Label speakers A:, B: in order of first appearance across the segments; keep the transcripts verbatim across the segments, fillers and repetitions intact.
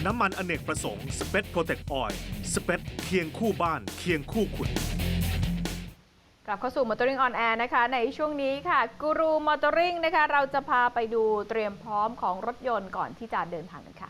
A: น้ำมันอเนกประสงค์สเปซโปรเทคออยล์สเปซเคียงคู่บ้านเคียงคู่คุณ
B: กลับเข้าสู่ Motoring on Air นะคะในช่วงนี้ค่ะกูรู Motoring นะคะเราจะพาไปดูเตรียมพร้อมของรถยนต์ก่อนที่จะเดินทางกันค่ะ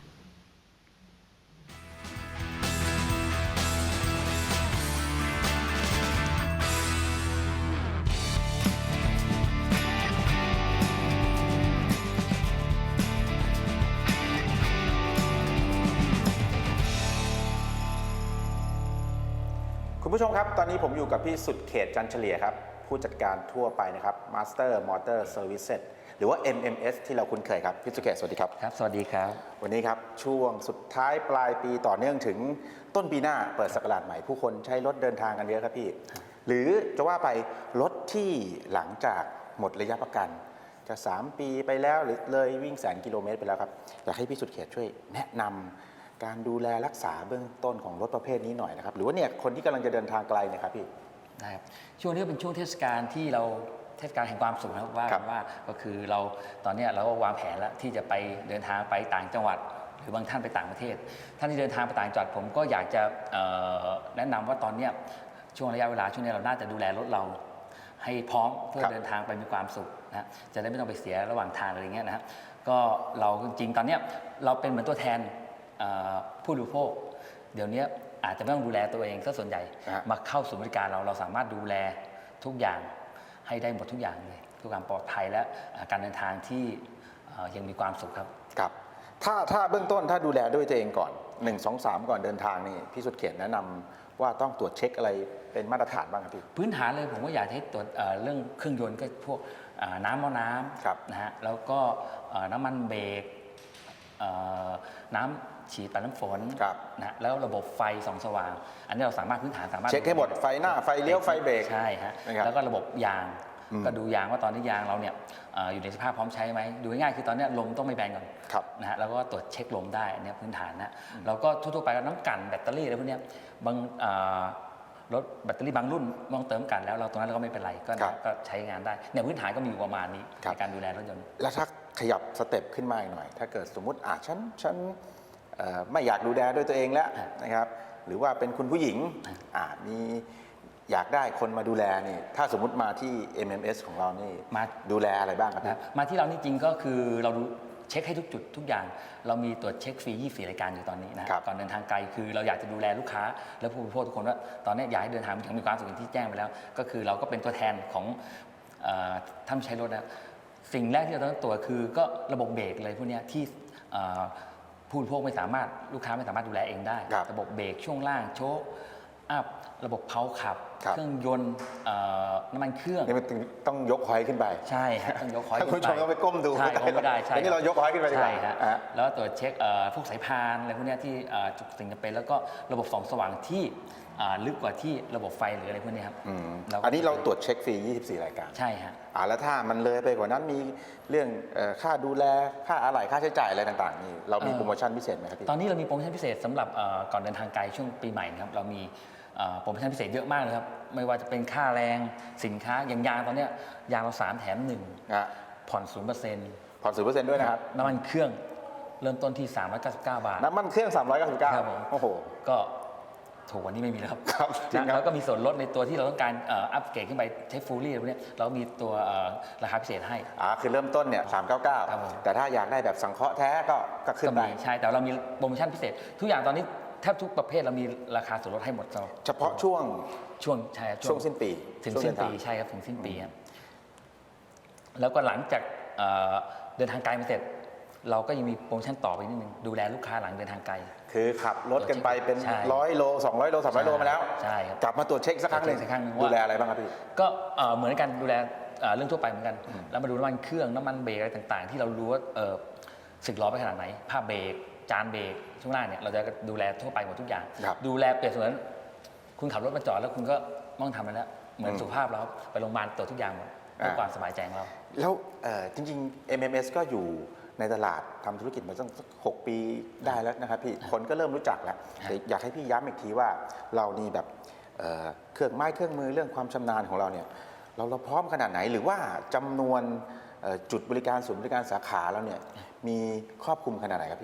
C: คุณผู้ชมครับตอนนี้ผมอยู่กับพี่สุดเขตจันเฉลี่ยครับผู้จัดการทั่วไปนะครับ Master Motor Services หรือว่า เอ็ม เอ็ม เอส ที่เราคุ้นเคยครับพี่สุดเขตสวัสดีครับ
D: ครับสวัสดีครับ
C: วันนี้ครับช่วงสุดท้ายปลายปีต่อเนื่องถึงต้นปีหน้าเปิดศักราชใหม่ผู้คนใช้รถเดินทางกันเยอะครับพี่หรือจะว่าไปรถที่หลังจากหมดระยะประกันจะสามปีไปแล้วหรือเลยวิ่งแสนกิโลเมตรไปแล้วครับอยากให้พี่สุดเขตช่วยแนะนำการดูแลรักษาเบื้องต้นของรถประเภทนี้หน่อยนะครับหรือว่าเนี่ยคนที่กำลังจะเดินทางไกลเนี่ยครับพี่
D: ได้ครับช่วงนี้เป็นช่วงเทศกาลที่เราเทศกาลแห่งความสุขนะครับว่าว่าก็คือเราตอนนี้เราก็วางแผนแล้วที่จะไปเดินทางไปต่างจังหวัดหรือบางท่านไปต่างประเทศท่านที่เดินทางไปต่างจังหวัดผมก็อยากจะแนะนำว่าตอนนี้ช่วงระยะเวลาช่วงนี้เราน่าจะดูแลรถเราให้พร้อมเพื่อเดินทางไปมีความสุขนะจะได้ไม่ต้องไปเสียระหว่างทางอะไรเงี้ยนะครับก็เราจริงๆตอนนี้เราเป็นเหมือนตัวแทนผู้บริโภคเดี๋ยวนี้อาจจะไม่ต้องดูแลตัวเองซะส่วนใหญ่มาเข้าสู่บริการเราเราสามารถดูแลทุกอย่างให้ได้หมดทุกอย่างเลยทุกความปลอดภัยและการเดินทางที่ยังมีความสุขครับ
C: ครับถ้าถ้าเบื้องต้นถ้าดูแลด้วยตัวเองก่อนหนึ่ง สอง สามก่อนเดินทางนี่พี่สุดเขตแนะนำว่าต้องตรวจเช็คอะไรเป็นมาตรฐานบ้างครับพี่
D: พื้นฐานเลยผมก็อยากให้ตรวจเรื่องเครื่องยนต์ก็พวกน้ำมอน้ำนะฮะแล้วก็น้ำมันเบรกน้ำฉีดปัดน้ำฝนนะแล้วระบบไฟส่องสว่างอันนี้เราสามารถพื้นฐานสามารถ
C: เช็คให้หมดไฟหน้าไฟเลี้ยวไฟเบรก
D: ใช่ฮะแล้วก็ระบบยางก็ดูยางว่าตอนนี้ยางเราเนี่ยอยู่ในสภาพพร้อมใช้ไหมดูง่ายๆคือตอนนี้ลมต้องไม่แบนก่อนนะฮะแล้วก็ตรวจเช็คลมได้อันนี้พื้นฐานนะแล้วก็ทั่วๆไปน้ำกันแบตเตอรี่อะไรพวกนี้บางรถแบตเตอรี่บางรุ่นมองเติมกันแล้วเราตรงนั้นเราก็ไม่เป็นไรก็ใช้งานได้เนี่ยพื้นฐานก็มีอยู่ประมาณนี้ในการดูแลรถยนต์
C: แล้วถ้าขยับสเต็ปขึ้นมาอีกหน่อยถ้าเกิดสมมุติอ่ะฉันฉันไม่อยากดูแลด้วยตัวเองแล้วนะครับหรือว่าเป็นคุณผู้หญิงอ่ามีอยากได้คนมาดูแลนี่ถ้าสมมุติมาที่ เอ็ม เอ็ม เอส ของเรานี่มาดูแลอะไรบ้างครับ
D: มาที่เรานี่จริงก็คือเราเช็คให้ทุกจุดทุกอย่างเรามีตรวจเช็คฟรียี่สิบสี่รายการอยู่ตอนนี้นะก่อนเดินทางไกลคือเราอยากจะดูแลลูกค้าและผู้บริโภคทุกคนว่าตอนนี้อยากให้เดินทางถึงมีความสุขที่แจ้งไปแล้วก็คือเราก็เป็นตัวแทนของท่านใช้รถนะสิ่งแรกที่เราต้องตรวจคือก็ระบบเบรกเลยพวกนี้ที่ผู้บริโภคไม่สามารถลูกค้าไม่สามารถดูแลเองได้ระบบเบรกช่วงล่างโชคอัพระบบเพาขับเครื่องยนต์น้ำมันเครื่อง
C: นี่มันต้องยกหอยขึ้นไป
D: ใช่ฮะต้องยกหอย
C: ขึ้นไปคุณผู้ชมต้องไปก้มดู
D: ใช่ไม่ได้ใช่
C: นี่เรายกหอยขึ้นไป
D: ใช่ฮะแล้วตรวจเช็คพวกสายพานอะไรพวกนี้ที่จุดสิ่งจำเป็นแล้วก็ระบบส่องสว่างที่ลึกกว่าที่ระบบไฟหรืออะไรพวกนี้ครับ
C: อันนี้เราตรวจเช็คฟรียี่สิบสี่รายการ
D: ใช่ฮะ
C: อ่าแล้วถ้ามันเลยไปกว่านั้นมีเรื่องค่าดูแลค่าอะไหล่ค่าใช้จ่ายอะไรต่างๆนี่เรามีโปรโมชั่นพิเศษไหมครับพี่
D: ตอนนี้เรามีโปรโมชั่นพิเศษสำหรับก่อนเดินทางไกลช่วงปีใหม่นะครับเรามีโปรโมชั่นพิเศษเยอะมากเลยครับไม่ว่าจะเป็นค่าแรงสินค้าอย่างยางตอนนี้ยางเราสามแถมหนึ่งผ่อนศูนย์เปอร์เซ็นต์
C: ผ่อนศูนย์เปอร์เซ็นต์ด้วยนะครับ
D: น้ำมันเครื่องเริ่มต้นที่สามร้อยเก้าสิบเก้าบาท
C: น้ำมันเครื่องสามร้อยเก้าสิบเก้าโอ้โห
D: ก็ถูกกว่านี้ไม่มีแล้วครับ
C: ครับ
D: แล้วก็มีส่วนลดในตัวที่เราต้องการอัปเกรดขึ้นไปใช้ฟูลลี่อะไรพวกนี้เรามีตัวราคาพิเศษให้
C: อ่าคือเริ่มต้นเนี่ยสามร้อยเก้าสิบเก้าแต่ถ้าอยากได้แบบสังเคราะห์แท้ก็ก็ขึ้นได้
D: ใช่แต่เรามีโปรโมชั่นพิเศษทุกอย่างตอนนี้แทบทุกประเภทเรามีราคาส่วนลดให้หมด
C: เฉพาะช่วง
D: ช่วงใช่
C: ช่วงสิ้นปี
D: ถึงสิ้นปีใช่ครับถึงสิ้นปีครับแล้วก็หลังจากเดินทางไกลมาเสร็จเราก็ยังมีโปรโมชั่นต่อไปนิดนึงดูแลลูกค้าหลังเดินทางไกล
C: คือขับรถกันไปเป็นร้อยโลสองร้อยโลสามร้อยโลมาแล้ว
D: ใช่ครับ
C: กลับมาตรวจเช็คสักครั้งหนึ่งดูแลอะไรบ้างครับพี่
D: ก็เหมือนกันดูแลเรื่องทั่วไปเหมือนกันแล้วมาดูน้ำมันเครื่องน้ำมันเบรกอะไรต่างๆที่เรารู้ว่าสึกล้อไปขนาดไหนผ้าเบรกจานเบรกช่วงล่างเนี่ยเราจะดูแลทั่วไปหมดทุกอย่างดูแลเปรียบเสมือนคุณขับรถมาจอดแล้วคุณก็มองทำไปแล้วเหมือนสุขภาพเราไปโรงพยาบาลตรวจทุกอย่างหมดเพื่อความสบายใจของเรา
C: แล้วจริงๆ เอ็ม เอ็ม เอส ก็อยู่ในตลาดทำธุรกิจมาตั้งหกปีได้แล้วนะครับพี่คนก็เริ่มรู้จักแล้วแต่อยากให้พี่ย้ำอีกทีว่าเรานี่แบบเครื่องไม้เครื่องมือเรื่องความชำนาญของเราเนี่ยเราเราพร้อมขนาดไหนหรือว่าจำนวนจุดบริการศูนย์บริการสาขาเราเนี่ยมีครอบคลุมขนาดไหนครับพี่
D: ค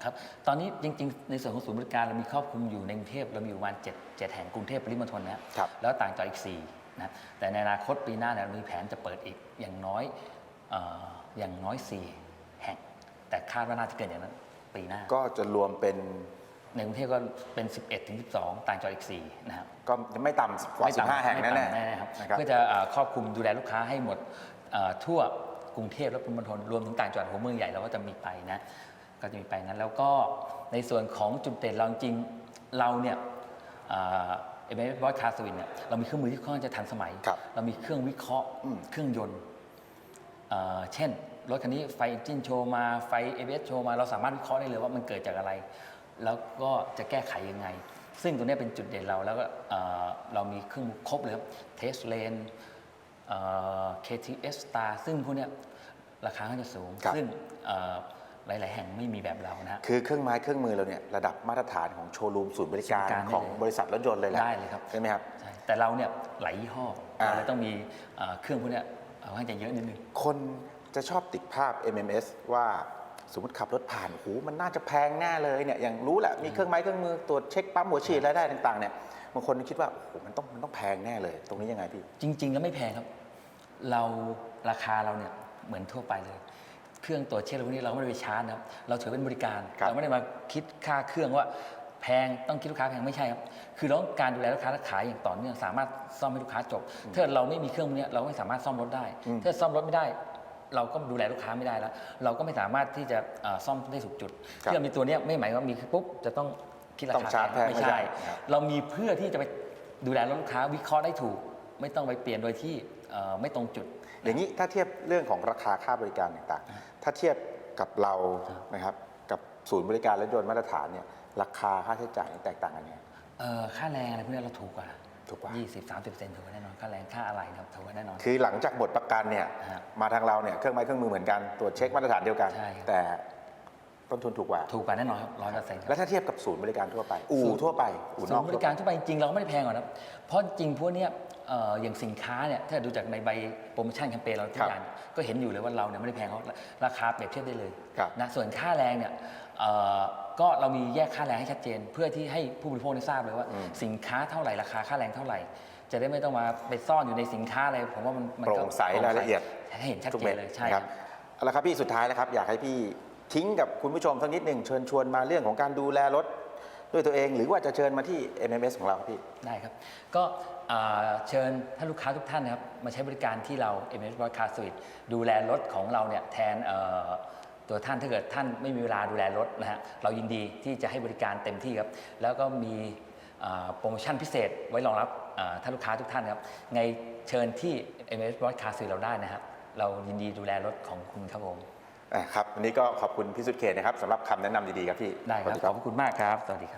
D: ครับตอนนี้จริงๆในส่วนของศูนย์บริการเรามีครอบคลุมอยู่ในกรุงเทพเรามีอยู่ประมาณเจ็ด เจ็ดแห่งกรุงเทพปริมณฑลนะครับ แล้วต่างจังหวัดอีกสี่นะแต่ในอนาคตปีหน้าเนี่ยเรามีแผนจะเปิดอีกอย่างน้อยเอ่ออย่างน้อยสี่แห่งแต่คาดว่าน่าจะเกินอย่างนั้นปีหน้า
C: ก็จะรวมเป็น
D: ในกรุงเทพก็เป็น สิบเอ็ดถึงสิบสอง ต่างจังหวัดอีกสี่นะครับ
C: ก็ไม่ต่ำกว่า
D: ไม่
C: สิบ
D: ต่ำ
C: ห้าแห่ง
D: ไม่
C: แน่
D: ต่ำ
C: ๆ
D: แน่ๆครับ
C: นะครับ
D: เพื่อจะเอ่อครอบคลุมดูแลลูกค้าให้หมดเอ่อทั่วกรุงเทพและปริมณฑลรวมถึงต่างจังหวัดหัวเมืองใหญ่เราก็จะมีไปนะก็จะมีไปนั้นแล้วก็ในส่วนของจุดเด่นเราจริงๆเราเนี่ยเอ่อเอ็มเอสบอสคาสวินเนี่ยเรามีเครื่องมือที่ค่อนข้างจะทันสมัย
C: ครับ
D: เรามีเครื่องวิเคราะห์
C: อืม
D: เครื่องยนต์เอ่อเช่นรถคันนี้ไฟเอนจินโชว์มาไฟ เอ บี เอส โชว์มาเราสามารถวิเคราะห์ได้เลยว่ามันเกิดจากอะไร แล้วก็จะแก้ไขยังไง ซึ่งตัวนี้เป็นจุดเด่นเราแล้วก็เอ่อเรามีเครื่องมือครบเลยครับเทสเลน เค ที เอส Star ซึ่งพวกเนี้ยราคาก็จะสูง
C: ครับ
D: ซึ่งเอ่อหลาย ๆ แห่งไม่มีแบบเรานะฮะ
C: คือเครื่องไม้เครื่องมือเราเนี่ยระดับมาตรฐานของโชว์รูมศูนย์บริการ
D: ศูนย์บริการได้
C: ของ
D: เลย
C: บริษัทรถยนต์เลยแหละ
D: ได้เลยครับ
C: ใช่ไหมครับ
D: ใช่แต่เราเนี่ยหลายยี่ห้อ
C: อ่า
D: เราเลยต้องมีเอ่อเครื่องพวกเนี้ยเอาให้จะเยอะนิดนึง
C: คนจะชอบติดภาพ เอ็ม เอ็ม เอส ว่าสมมติขับรถผ่านโอ้โหมันน่าจะแพงแน่เลยเนี่ยอย่างรู้แหละมีเครื่องไม้เครื่องมือตรวจเช็คปั๊มหัวฉีดรายได้ต่างๆเนี่ยบางคนคิดว่าโอ้โหมันต้องมันต้องแพงแน่เลย ตรงนี้ยังไงพี่
D: จริง ๆ แล้วไม่แพงครับ เราราคาเราเนี่ยเหมือนทั่วไปเลย เครื่องตรวจเช็คอะไรพวกนี้เราไม่ได้ไปชาร์จนะครับ เราถือเป็นบริการ
C: ครับ
D: เราไม่ได้มาคิดค่าเครื่องว่าแพงต้องคิดลูกค้าแพงไม่ใช่ครับ คือเราต้องการดูแลลูกค้าและขายอย่างต่อเนื่องสามารถซ่อมให้ลูกค้าจบ ถ้าเราไม่มีเครื่องพวกนี้เราไม่สามารถซ่อมรถได้
C: อืม
D: ถ้าซ่อมรถไม่ได้ เราก็ดูแลลูกค้าไม่ได้แล้ว เราก็ไม่สามารถที่จะเอ่อซ่อมได้ถูกจุด
C: ครับ
D: ที่เรามีตัวเนี้ยไม่หมายความว่ามีปุ๊บจะต้องคิดรา
C: ต้อง
D: คา
C: ชาร์จแพง
D: ไม่
C: ไม่ใช่
D: ใช่
C: ครับ
D: เรามีเพื่อที่จะไปดูแลลูกค้าวิเคราะห์ได้ถูก ไม่ต้องไปเปลี่ยนโดยที่เอ่อไม่ตรงจุด
C: อย่างนี้ถ้าเทียบเรื่องของราคาค่าบริการต่างๆ ถ้าเทียบกับเรานะครับกับศูนย์บริการรถยนต์มาตรฐานเนี่ยราคาค่าใช้จ่ายแตกต่างกันเนี่ย
D: เอ่อค่าแรงอะไรพวกนี้เราถูกกว่า
C: ถูกกว่า
D: ยี่สิบ สามสิบเซนถูกกว่าแน่นอน ค่าแรงค่าอะไรนะครับถูกกว่าแน่นอน
C: คือหลังจากหมดประกันเนี่ย
D: ฮะ
C: มาทางเราเนี่ยเครื่องไม้เครื่องมือเหมือนกันตรวจเช็คมาตรฐานเดียวกัน
D: ใช่ครับ
C: แต่ต้นทุนถูกกว่า
D: ถูกกว่าแน่นอนครับร้อยเปอร์เซ็นต์ครับ
C: แล้วถ้าเทียบกับศูนย์บริการทั่วไป อู่ทั่วไปอู่น
D: ศู
C: อน ก
D: ย์บริการทั่วไปจริงๆเราก็ไม่ได้แพงหรอกนะครับ เพราะจริงพวกเนี้ยเอ่ออย่างสินค้าเนี่ยถ้าดูจากในใบโปรโมชั่นแคมเปญเราทุกอย่างเนี่ยก็เห็นอยู่เลยว่าเราเนี่ยไม่ได้แพงเขาราคาเปรียบเทียบได้เลย
C: ครับ
D: นะส่วนค่าแรงเนี่ยเอ่อก็เรามีแยกค่าแรงให้ชัดเจน เพื่อที่ให้ผู้บริโภคได้ทราบเลยว่า
C: อืม
D: สินค้าเท่าไหร่ราคาค่าแรงเท่าไหร่ จะได้ไม่ต้องมาไปซ่อนอยู่ในสินค้าอะไรผมว่ามันมัน
C: โป
D: ก็
C: ร่งใสรายละเอียด
D: ให้เห็นชัด
C: ทุก
D: เจ
C: เม็
D: น
C: ด
D: เลยใช่
C: นะ
D: ค
C: ค
D: รั
C: รับ บเอาละครับพี่สุดท้ายแล้วครับอยากให้พี่ทิ้งกับคุณผู้ชมสักนิดหนึ่งเชิญชวนมาเรื่องของการดูแลรถด้วยตัวเอง หรือว่าจะเชิญมาที่ เอ็ม เอ็ม เอส ของเราครับพี่
D: ได้ครับ ก็อ่าเชิญท่านลูกค้าทุกท่านนะครับมาใช้บริการที่เรา เอ็ม เอส Broadcast Suite ดูแลรถของเราเนี่ยแทนเอ่อตัวท่านถ้าเกิดท่านไม่มีเวลาดูแลรถนะฮะเรายินดีที่จะให้บริการเต็มที่ครับ แล้วก็มีอ่าโปรโมชั่นพิเศษไว้รองรับอ่าท่านลูกค้าทุกท่านครับไงเชิญที่ เอ็ม เอส Broadcast Suite เราได้นะครับเรายินดีดูแลรถของคุณครับผม
C: อ่ะครับวันนี้ก็ขอบคุณพี่สุดเขตนะครับสำหรับคำแนะนำดีๆครับพี่
D: ได้ครับ
C: สวัส
D: ขอบพระคุณมากครับ สวัสดีครับ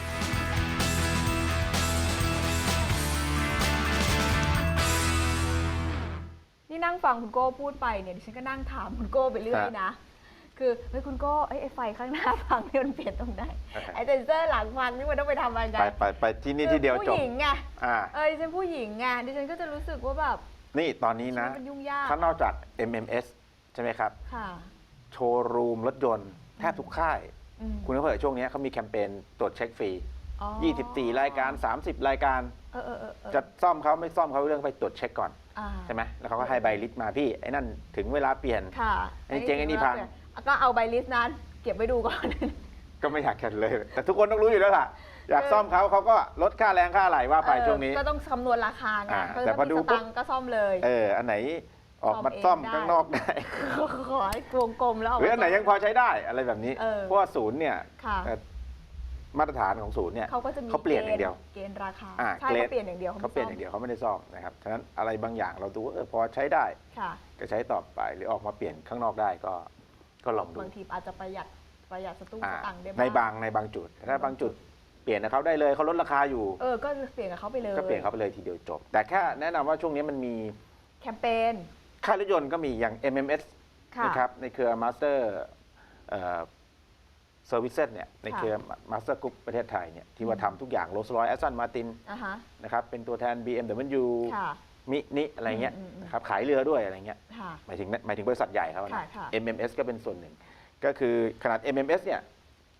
B: นี่นั่งฟังคุณโก้พูดไปเนี่ยดิฉันก็นั่งถามคุณโก้ไปเรื่อยนะ คือเฮ้ยคุณโก้เอ้ยไอ้ไฟข้างหน้าพังนี่มันเปลี่ยนตรงไหนไอ้เซนเซอร์หลังพังนี่มันต้องไปทำอะไรกัน
C: ไปไปไปที่นี่ที่เดียว
B: คือ
C: จบ
B: ผู้หญิงไง
C: อ่า
B: เอ้ยดิฉันผู้หญิงไงดิฉันก็จะรู้สึกว่าแบบ
C: นี่ตอนนี้นะ
B: มันยุ่งยาก
C: ถ้านอกจาก เอ็ม เอ็ม เอส ใช่ไหมครับ
B: ค่ะ
C: โชว์รูมรถยนต์แทบทุกค่าย
B: อืม
C: คุณก็เผื่อช่วงนี้เขามีแคมเปญตรวจเช็คฟรี
B: อ๋อ
C: ยี่สิบสี่ รายการ สามสิบ รายการ
B: เออเออเออเออ
C: จะซ่อมเขาไม่ซ่อมเขาเรื่องไปตรวจเช็คก่อน
B: อ่า
C: ใช่ไหมแล้วเขาก็ให้ใบลิสต์มาพี่ไอ้นั่นถึงเวลาเปลี่ยน
B: ค่ะ
C: ไอ้เจ๊งไอ้นี่พัง
B: ก็เอาใบลิสต์นั้น เก็บไว้ดูก่อน
C: ก็ไม่อยากแข่งเลย แต่ทุกคนต้องรู้อยู่แล้วล่ะ อยากซ่อมเขาเขาก็ลดค่าแรงค่าอะไรว่าไป
B: เออ
C: ช่วงนี้
B: ก็ต้องคำนวณราคาไง
C: อ่า
B: ก็
C: แต่พอดู
B: มี
C: ปุ๊
B: ส
C: บ
B: ตังค์ก็ซ่อมเลย
C: เอออันไหนออกมา
B: ซ่
C: ซ่
B: อ
C: อ
B: ม
C: ม
B: เองได้
C: ข้างนอกได้
B: ขอให้วงกลมแล้ว
C: หรืออันไหนยังพอใช้ได้อะไรแบบนี้
B: เออ
C: เพราะว่าศูนย์เนี่ย
B: ค่ะ
C: เอ่อมาตรฐานของศูนย์เนี่ย
B: เขาก็จะมี
C: เขาเปลี่ยนอย่างเดียว
B: เกณฑ์ราคา
C: อ่า
B: ใช่
C: เกรด
B: เขาเปลี่ยนอย่างเดียว
C: เขาเปลี่ยนอย่างเดียวเขาไม่ได้ซ่อมนะครับฉะนั้นอะไรบางอย่างเราดูว่าเออพอใช้ได้
B: ค่ะ
C: ก็ใช้ต่อไปหรือออกมาเปลี่ยนข้างนอกได้ก็ก็ลองดู
B: บางทีอาจจะประหยัดประหยัดสตุ้ง
C: อ่า
B: สตังค์ได้
C: ในบางในบางจุดแต่ถ้าบางจุดเปลี่ยนกับเขาได้เลยเขาลดราคาอยู่
B: เออก็เปลี่ยนกับเขาไปเลย
C: ก็เปลี่ยนเขาไปเลยทีเดียวจบ แต่แค่แนะนำว่าช่วงนี้มันมี
B: แคมเปญ
C: ค่ายรถยนต์ก็มีอย่าง เอ็ม เอ็ม เอส
B: ค่ะ
C: นะครับในเครือ Master เอ่อ Services เนี่ยในเครือ Master Group ประเทศไทยเนี่ยที่ว่าทำทุกอย่าง Rolls-Royce Aston Martin
B: อ่าฮะ
C: นะครับเป็นตัวแทน บี เอ็ม ดับเบิลยู
B: ค่ะ
C: มินิอะไรเงี้ย
B: อืมอืม
C: นะครับขายเรือด้วยอะไรเงี้ย
B: ค่ะ
C: หมายถึงหมายถึงบริษัทใหญ่เขา
B: ค่ะ
C: นะ
B: ค่ะ
C: เอ็ม เอ็ม เอส ก็เป็นส่วนหนึ่ง ก็คือขนาด เอ็ม เอ็ม เอส เนี่ย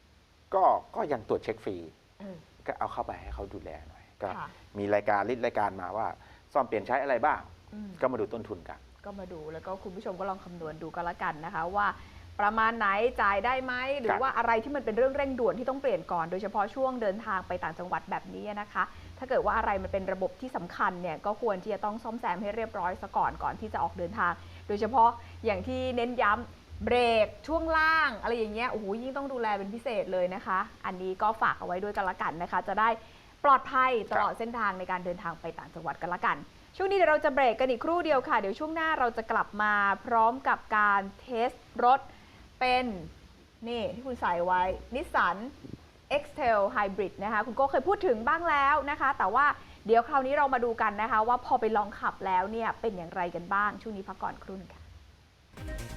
C: ก็ก็ยังตรวจเช็คฟรี
B: เออ
C: ก็เอาเข้าไปให้เขาดูแลหน่อยก็
B: ค่ะ
C: มีรายการลิสต์รายการมาว่าซ่อมเปลี่ยนใช้อะไรบ้าง
B: อืม
C: ก็มาดูต้นทุนกัน
B: ก็มาดูแล้วก็คุณผู้ชมก็ลองคำนวณดูก็แล้วกันนะคะว่าประมาณไหนจ่ายได้ไหมหรือว่าอะไรที่มันเป็นเรื่องเร่งด่วนที่ต้องเปลี่ยนก่อนโดยเฉพาะช่วงเดินทางไปต่างจังหวัดแบบนี้นะคะ ถ้าเกิดว่าอะไรมันเป็นระบบที่สำคัญเนี่ยก็ควรที่จะต้องซ่อมแซมให้เรียบร้อยซะก่อนก่อนที่จะออกเดินทาง โดยเฉพาะอย่างที่เน้นย้ำเบรกช่วงล่างอะไรอย่างเงี้ยโอ้โหยิ่งต้องดูแลเป็นพิเศษเลยนะคะ อันนี้ก็ฝากเอาไว้ด้วยกันละกันนะคะ จะได้ปลอดภัยตลอดเส้นทางในการเดินทางไปต่างจังหวัดกันละกัน ช่วงนี้เดี๋ยวเราจะเบรกกันอีกครู่เดียวค่ะ เดี๋ยวช่วงหน้าเราจะกลับมาพร้อมกับการเทสรถเป็นนี่ที่คุณใส่ไว้ Nissan X-Trail Hybrid นะคะคุณโก้เคยพูดถึงบ้างแล้วนะคะ แต่ว่าเดี๋ยวคราวนี้เรามาดูกันนะคะ ว่าพอไปลองขับแล้วเนี่ยเป็นอย่างไรกันบ้างช่วงนี้พักก่อนครู่นึงค่ะ